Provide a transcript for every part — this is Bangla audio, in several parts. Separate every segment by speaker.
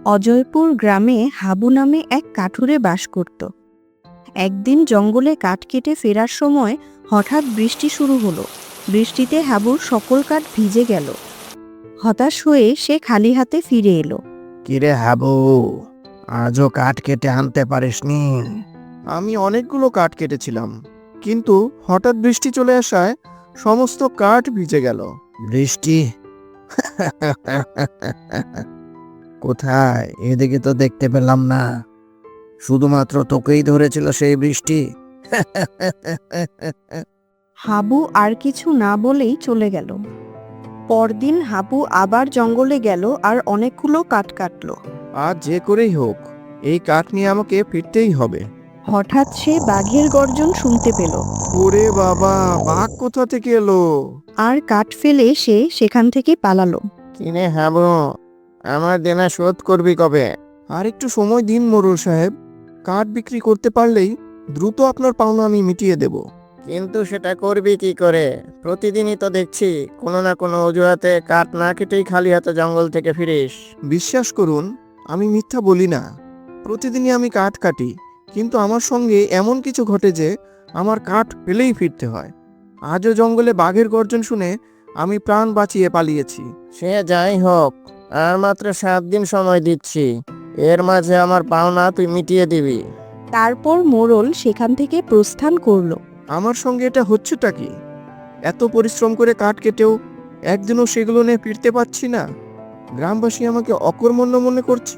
Speaker 1: অজয়পুর গ্রামে হাবু নামে এক কাঠুরে বাস করত। একদিন জঙ্গলে কাঠ কেটে ফেরার সময় হঠাৎ বৃষ্টি শুরু হলো। বৃষ্টিতে হাবুর সকল কাঠ ভিজে গেল। হতাশ হয়ে সে খালি হাতে ফিরে এলো।
Speaker 2: কিরে হাবু, আজও কাঠ কেটে আনতে পারিসনি?
Speaker 3: আমি অনেকগুলো কাঠ কেটেছিলাম, কিন্তু হঠাৎ বৃষ্টি চলে আসায় সমস্ত কাঠ ভিজে গেল।
Speaker 2: বৃষ্টি? কোথায়? এদিকে তো দেখতে পেলাম না। শুধুমাত্র তোকেই ধরেছিল সেই বৃষ্টি?
Speaker 1: হাবু আর কিছু না বলেই চলে গেল। পরদিন হাবু আবার জঙ্গলে গেল আর অনেকগুলো কাঠ কাটলো।
Speaker 3: আজ যে করেই হোক এই কাঠ নিয়ে আমাকে ফিরতেই হবে।
Speaker 1: হঠাৎ সে বাঘের গর্জন শুনতে পেল।
Speaker 3: ওরে বাবা, বাঘ কোথা থেকে এলো?
Speaker 1: আর কাঠ ফেলে সে সেখান থেকে পালালো।
Speaker 2: কিনে হাবু, আমার দেনা শোধ করবি কবে?
Speaker 3: আর একটু সময় দিন মোড়ল সাহেব, কাঠ বিক্রি করতে পারলেই দ্রুত আপনার পাওনা আমি মিটিয়ে দেব।
Speaker 2: কিন্তু সেটা করবি কি করে? প্রতিদিনই তো দেখছি কোনো না কোনো অজুহাতে কাঠ না কেটেই খালি হাতে জঙ্গল থেকে ফিরিস।
Speaker 3: বিশ্বাস করুন, আমি মিথ্যা বলি না। প্রতিদিনই আমি কাঠ কাটি, কিন্তু আমার সঙ্গে এমন কিছু ঘটে যে আমার কাঠ ফেলেই ফিরতে হয়। আজও জঙ্গলে বাঘের গর্জন শুনে আমি প্রাণ বাঁচিয়ে পালিয়েছি।
Speaker 2: সে যাই হোক, আর মাত্র 7 দিন সময় দিচ্ছি। এর মাঝে আমার পাওনা তুই মিটিয়ে দিবি।
Speaker 1: তারপর মোড়ল সেখান থেকে প্রস্থান করলো।
Speaker 3: আমার সঙ্গে এটা হচ্ছেটা কি? এত পরিশ্রম করে কাঠ কেটেও একদিনও সেগুলো নিয়ে ফিরতে পারছি না। গ্রামবাসী আমাকে অকর্মণ্য মনে করছে,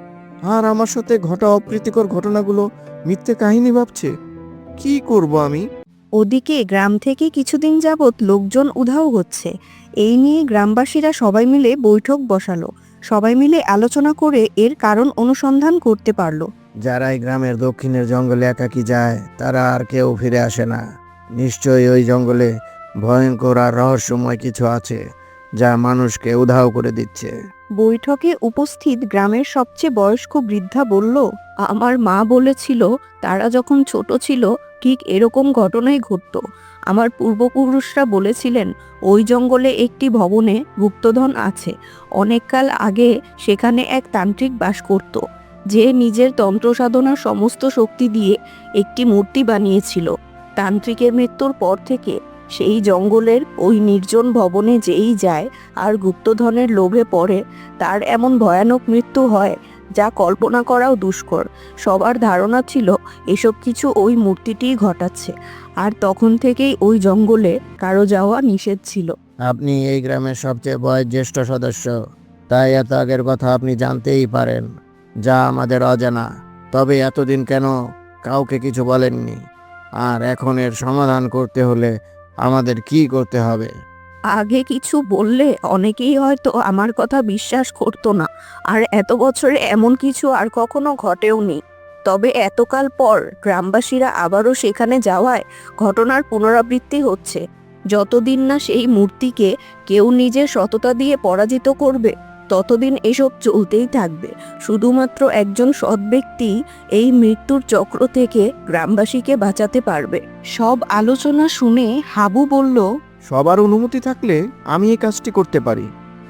Speaker 3: আর আমার সাথে ঘটা অপ্রীতিকর ঘটনাগুলো মিথ্যে কাহিনী ভাবছে। কি করব আমি?
Speaker 1: ওদিকে গ্রাম থেকে কিছুদিন যাবৎ লোকজন উধাও হচ্ছে। এই নিয়ে গ্রামবাসীরা সবাই মিলে বৈঠক বসালো। সবাই মিলে আলোচনা করে এর কারণ অনুসন্ধান করতে পারলো।
Speaker 2: যারা এই গ্রামের দক্ষিণের জঙ্গলে একাকী যায় তারা আর কেউ ফিরে আসে না। নিশ্চয়ই ওই জঙ্গলে ভয়ঙ্কর আর রহস্যময় কিছু আছে যা মানুষকে উধাও করে দিচ্ছে।
Speaker 1: বৈঠকে উপস্থিত গ্রামের সবচেয়ে বয়স্ক বৃদ্ধা বলল, আমার মা বলেছিল তারা যখন ছোট ছিল ঠিক এরকম ঘটনাই ঘটতো। আমার পূর্বপুরুষরা বলেছিলেন ওই জঙ্গলে একটি ভবনে গুপ্তধন আছে। অনেককাল আগে সেখানে এক তান্ত্রিক বাস করত, যে নিজের তন্ত্র সাধনার সমস্ত শক্তি দিয়ে একটি মূর্তি বানিয়েছিল। তান্ত্রিকের মৃত্যুর পর থেকে সেই জঙ্গলের ওই নির্জন ভবনে যেই যায় আর গুপ্তধনের লোভে পড়ে, তার এমন ভয়ানক মৃত্যু হয় যা কল্পনা করাও দুষ্কর। সবার ধারণা ছিল এসব কিছু ওই মূর্তিটিই ঘটাচ্ছে, আর তখন থেকেই ওই জঙ্গলে কারো যাওয়া নিষেধ ছিল।
Speaker 2: আপনি এই গ্রামের সবচেয়ে বয়োজ্যেষ্ঠ সদস্য, তাই এত আগের কথা আপনি জানতেই পারেন, যা আমাদের অজানা। তবে এতদিন কেন কাউকে কিছু বলেননি? আর এখন এর সমাধান করতে হলে আমাদের কি করতে হবে?
Speaker 1: আগে কিছু বললে অনেকেই হয়তো আমার কথা বিশ্বাস করতো না, আর এত বছরে এমন কিছু আর কখনো ঘটেওনি। তবে এতকাল পর গ্রামবাসীরা আবারও সেখানে যাওয়ায় ঘটনার পুনরাবৃত্তি হচ্ছে। যতদিন না সেই মূর্তিকে কেউ নিজের সততা দিয়ে পরাজিত করবে, ততদিন এসব চলতেই থাকবে। শুধুমাত্র একজন সৎ ব্যক্তি এই মৃত্যুর চক্র থেকে গ্রামবাসীকে বাঁচাতে পারবে। সব আলোচনা শুনে হাবু বলল,
Speaker 3: সবার অনুমতি থাকলে আমি এই কাজটি করতে পারি।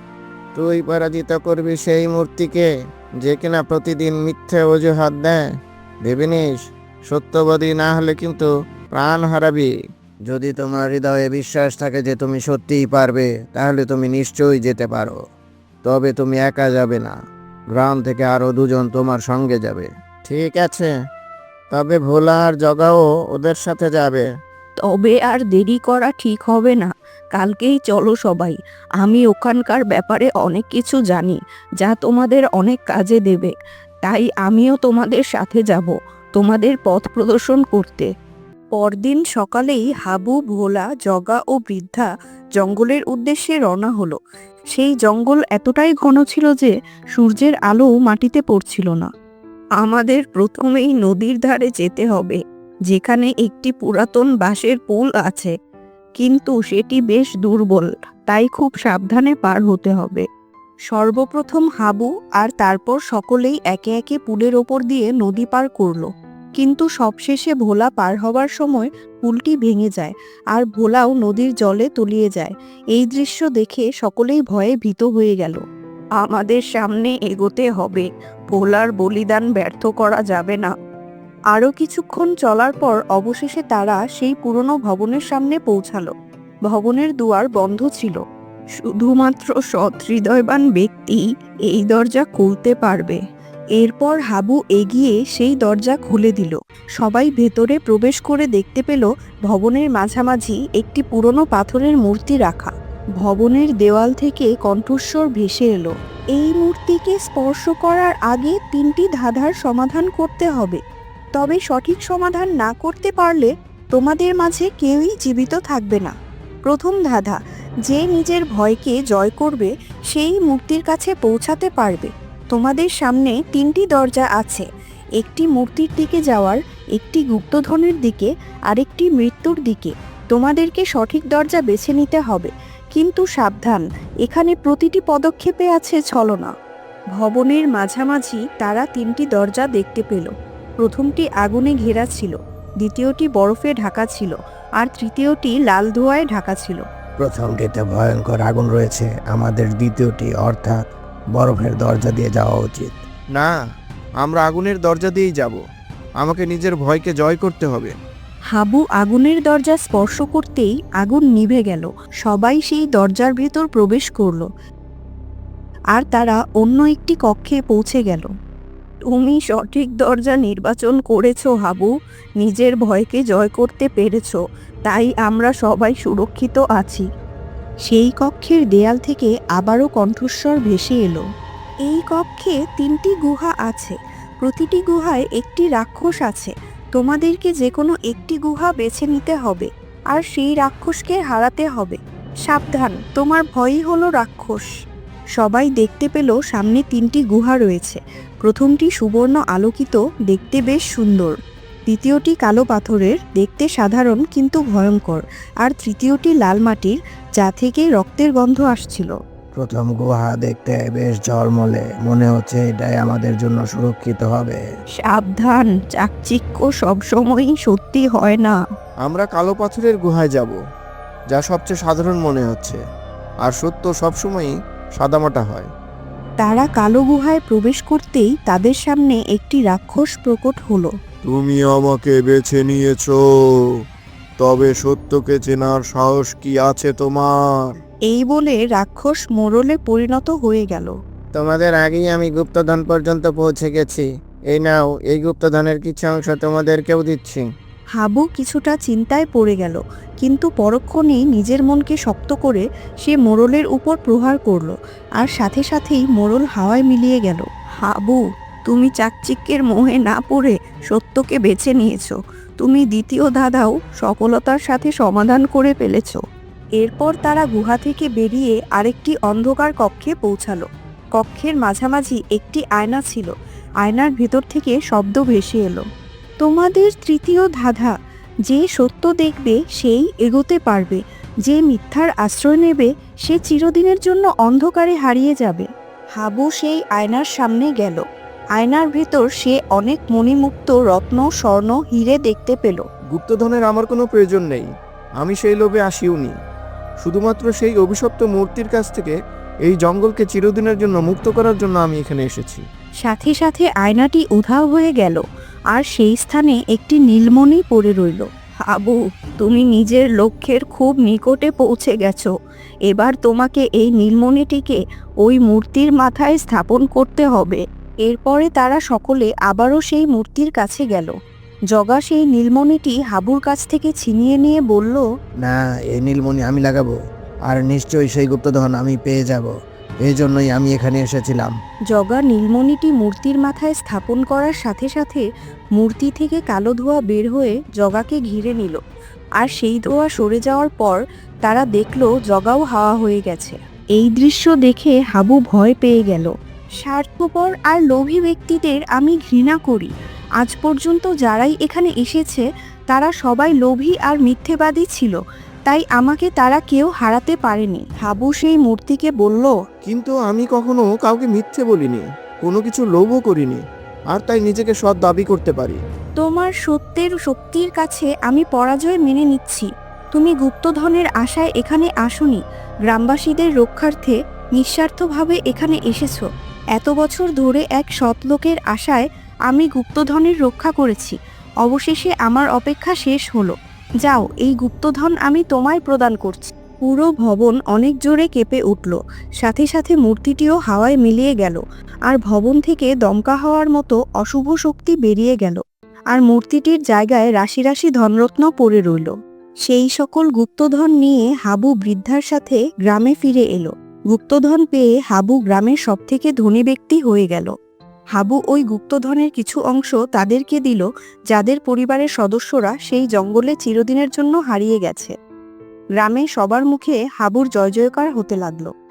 Speaker 2: তুই পরাজিত করবি সেই মূর্তিকে যে কিনা প্রতিদিন মিথ্যে অজুহাত দেয়? ভেবে নিস, সত্যবাদী না হলে কিন্তু প্রাণ হারাবি। যদি তোমার হৃদয়ে বিশ্বাস থাকে যে তুমি সত্যিই পারবে, তাহলে তুমি নিশ্চয়ই যেতে পারো। তবে তুমি একা যাবে না, গ্রাম থেকে আরো 2 জন তোমার সঙ্গে যাবে। ঠিক আছে, তবে ভোলা আর জগাও ওদের সাথে যাবে।
Speaker 1: তবে আর দেরি করা ঠিক হবে না। কালকেই চলো সবাই। আমি ওখানকার ব্যাপারে অনেক কিছু জানি, যা তোমাদের অনেক কাজে দেবে। তাই আমিও তোমাদের সাথে যাব, তোমাদের পথ প্রদর্শন করতে। পরদিন সকালেই হাবু, ভোলা, জগা ও বৃদ্ধা জঙ্গলের উদ্দেশ্যে রওনা হলো। সেই জঙ্গল এতটাই ঘন ছিল যে সূর্যের আলো মাটিতে পড়ছিল না। আমাদের প্রথমেই নদীর ধারে যেতে হবে, যেখানে একটি পুরাতন বাঁশের পুল আছে, কিন্তু সেটি বেশ দুর্বল, তাই খুব সাবধানে পার হতে হবে। সর্বপ্রথম হাবু আর তারপর সকলেই একে একে পুলের ওপর দিয়ে নদী পার করলো। কিন্তু সবশেষে ভোলা পার হবার সময় পুলটি ভেঙে যায়, আর ভোলাও নদীর জলে তলিয়ে যায়। এই দৃশ্য দেখে সকলেই ভয়ে ভীত হয়ে গেল। আমাদের সামনে এগোতে হবে, ভোলার বলিদান ব্যর্থ করা যাবে না। আরও কিছুক্ষণ চলার পর অবশেষে তারা সেই পুরনো ভবনের সামনে পৌঁছালো। ভবনের দুয়ার বন্ধ ছিল। শুধুমাত্র সৎ হৃদয়বান ব্যক্তি এই দরজা খুলতে পারবে। এরপর হাবু এগিয়ে সেই দরজা খুলে দিল। সবাই ভেতরে প্রবেশ করে দেখতে পেল ভবনের মাঝামাঝি একটি পুরনো পাথরের মূর্তি রাখা। ভবনের দেওয়াল থেকে কণ্ঠস্বর ভেসে এলো, এই মূর্তিকে স্পর্শ করার আগে 3টি ধাঁধার সমাধান করতে হবে। তবে সঠিক সমাধান না করতে পারলে তোমাদের মাঝে কেউই জীবিত থাকবে না। প্রথম ধাঁধা, যে নিজের ভয়কে জয় করবে সেই মূর্তির কাছে পৌঁছাতে পারবে। তোমাদের সামনে 3টি দরজা আছে, একটি মূর্তির দিকে যাওয়ার, একটি গুপ্তধনের দিকে, আরেকটি মৃত্যুর দিকে। তোমাদেরকে সঠিক দরজা বেছে নিতে হবে, কিন্তু সাবধান, এখানে প্রতিটি পদক্ষেপে আছে ছলনা। ভবনের মাঝামাঝি তারা 3টি দরজা দেখতে পেল। প্রথমটি আগুনে ঘেরা ছিল, দ্বিতীয়টি বরফে ঢাকা ছিল, আর তৃতীয়টি লাল ধোঁয়ায় ঢাকা ছিল।
Speaker 2: প্রথমটিতে ভয়ঙ্কর আগুন রয়েছে, আমাদের দ্বিতীয়টি অর্থাৎ বরফের দরজা দিয়ে যাওয়া উচিত।
Speaker 3: না, আমরা আগুনের দরজা দিয়েই যাব। আমাকে নিজের ভয়কে জয় করতে হবে।
Speaker 1: হাবু আগুনের দরজা স্পর্শ করতেই আগুন নিভে গেল। সবাই সেই দরজার ভেতর প্রবেশ করল, আর তারা অন্য একটি কক্ষে পৌঁছে গেল। তুমি সঠিক দরজা নির্বাচন করেছো হাবু, নিজের ভয়কে জয় করতে পেরেছো, তাই আমরা সবাই সুরক্ষিত আছি। সেই কক্ষের দেয়াল থেকে আবারও কণ্ঠস্বর ভেসে এলো, এই কক্ষে 3টি গুহা আছে, প্রতিটি গুহায় একটি রাক্ষস আছে। তোমাদেরকে যে কোনো একটি গুহা বেছে নিতে হবে, আর সেই রাক্ষসকে হারাতে হবে। সাবধান, তোমার ভয়ই হলো রাক্ষস। সবাই দেখতে পেল সামনে 3টি গুহা রয়েছে। প্রথমটি সুবর্ণ আলোকিত, দেখতে বেশ সুন্দর। দ্বিতীয়টি কালো পাথরের, দেখতে সাধারণ কিন্তু ভয়ঙ্কর। আর তৃতীয়টি লাল মাটির, যা থেকে রক্তের গন্ধ আসছিল।
Speaker 2: প্রথম গুহা দেখতে বেশ ঝলমলে, মনে হচ্ছে এটাই আমাদের জন্য সুরক্ষিত হবে।
Speaker 1: সাবধান, চাকচিক্য সবসময়ই সত্যি হয় না।
Speaker 3: আমরা কালো পাথরের গুহায় যাব, যা সবচেয়ে সাধারণ মনে হচ্ছে, আর সত্য সবসময়ই সাদামাটা হয়।
Speaker 1: তারা কালো গুহায় প্রবেশ করতেই তাদের সামনে একটি রাক্ষস প্রকট হলো।
Speaker 3: তুমি আমাকে বেছে নিয়েছো, তবে সত্যকে চেনার সাহস কি আছে তোমার?
Speaker 1: এই বলে রাক্ষস মোড়লে পরিণত হয়ে গেল।
Speaker 2: তোমাদের আগেই আমি গুপ্তধন পর্যন্ত পৌঁছে গেছি। এই নাও, এই গুপ্তধনের কিছু অংশ তোমাদেরকেও দিচ্ছি।
Speaker 1: হাবু কিছুটা চিন্তায় পড়ে গেল, কিন্তু পরক্ষণেই নিজের মনকে শক্ত করে সে মোড়লের উপর প্রহার করল, আর সাথে সাথেই মোড়ল হাওয়ায় মিলিয়ে গেল। হাবু, তুমি চাকচিক্যের মোহে না পড়ে সত্যকে বেছে নিয়েছো। তুমি দ্বিতীয় ধাঁধাও সফলতার সাথে সমাধান করে ফেলেছো। এরপর তারা গুহা থেকে বেরিয়ে আরেকটি অন্ধকার কক্ষে পৌঁছালো। কক্ষের মাঝামাঝি একটি আয়না ছিল, আয়নার ভেতর থেকে শব্দ ভেসে এলো, তোমাদের তৃতীয় ধাঁধা, যে সত্য দেখবে সেই এগোতে পারবে, যে মিথ্যার আশ্রয় নেবে সে চিরদিনের জন্য অন্ধকারে হারিয়ে যাবে। হাবু সেই আয়নার সামনে গেল। আয়নার ভেতর সে অনেক মণিমুক্ত, রত্ন, স্বর্ণ, হিরে দেখতে পেল।
Speaker 3: গুপ্তধনের আমার কোনো প্রয়োজন নেই, আমি সেই লোভে আসিওনি। শুধুমাত্র সেই অভিশপ্ত মূর্তির কাছ থেকে এই জঙ্গলকে চিরদিনের জন্য মুক্ত করার জন্য আমি এখানে এসেছি।
Speaker 1: সাথে সাথে আয়নাটি উধাও হয়ে গেল, আর সেই স্থানে একটি নীলমণি পড়ে রইল। হাবু, তুমি নিজের লক্ষ্যের খুব নিকটে পৌঁছে গেছো। এবার তোমাকে এই নীলমণিটিকে ওই মূর্তির মাথায় স্থাপন করতে হবে। এরপরে তারা সকলে আবারও সেই মূর্তির কাছে গেল। জগা সেই নীলমণিটি হাবুর কাছ থেকে ছিনিয়ে নিয়ে বলল,
Speaker 2: না, এই নীলমণি আমি লাগাবো, আর নিশ্চয়ই সেই গুপ্তধন আমি পেয়ে যাব। এই জন্যই আমি এখানে এসেছিলাম।
Speaker 1: জগা নীলমণিটি মূর্তির মাথায় স্থাপন করার সাথে সাথে মূর্তি থেকে কালো ধোঁয়া বের হয়ে জগাকে ঘিরে নিল। আর সেই ধোঁয়া সরে যাওয়ার পর তারা দেখল জগাও হাওয়া হয়ে গেছে। এই দৃশ্য দেখে হাবু ভয় পেয়ে গেল। স্বার্থপর আর লোভী ব্যক্তিদের আমি ঘৃণা করি। আজ পর্যন্ত যারাই এখানে এসেছে তারা সবাই লোভী আর মিথ্যেবাদী ছিল, তাই আমাকে তারা কেউ হারাতে পারেনি। হাবু সেই মূর্তিকে বলল,
Speaker 3: কিন্তু আমি কখনো কাউকে মিথ্যে বলিনি, কোনো কিছু লোভও করিনি, আর তাই নিজেকে সৎ দাবি করতে পারি।
Speaker 1: তোমার সত্যের শক্তির কাছে আমি পরাজয় মেনে নিচ্ছি। তুমি গুপ্তধনের আশায় এখানে আসোনি, গ্রামবাসীদের রক্ষার্থে নিঃস্বার্থভাবে এখানে এসেছো। এত বছর ধরে এক সৎ লোকের আশায় আমি গুপ্তধনের রক্ষা করেছি। অবশেষে আমার অপেক্ষা শেষ হলো। যাও, এই গুপ্তধন আমি তোমায় প্রদান করছি। পুরো ভবন অনেক জোরে কেঁপে উঠল, সাথে সাথে মূর্তিটিও হাওয়ায় মিলিয়ে গেল, আর ভবন থেকে দমকা হওয়ার মতো অশুভ শক্তি বেরিয়ে গেল, আর মূর্তিটির জায়গায় রাশি রাশি ধনরত্ন পড়ে রইল। সেই সকল গুপ্তধন নিয়ে হাবু বৃদ্ধার সাথে গ্রামে ফিরে এলো। গুপ্তধন পেয়ে হাবু গ্রামের সবথেকে ধনী ব্যক্তি হয়ে গেল। হাবু ওই গুপ্তধনের কিছু অংশ তাদেরকে দিল, যাদের পরিবারের সদস্যরা সেই জঙ্গলে চিরদিনের জন্য হারিয়ে গেছে। গ্রামে সবার মুখে হাবুর জয় জয়কার হতে লাগলো।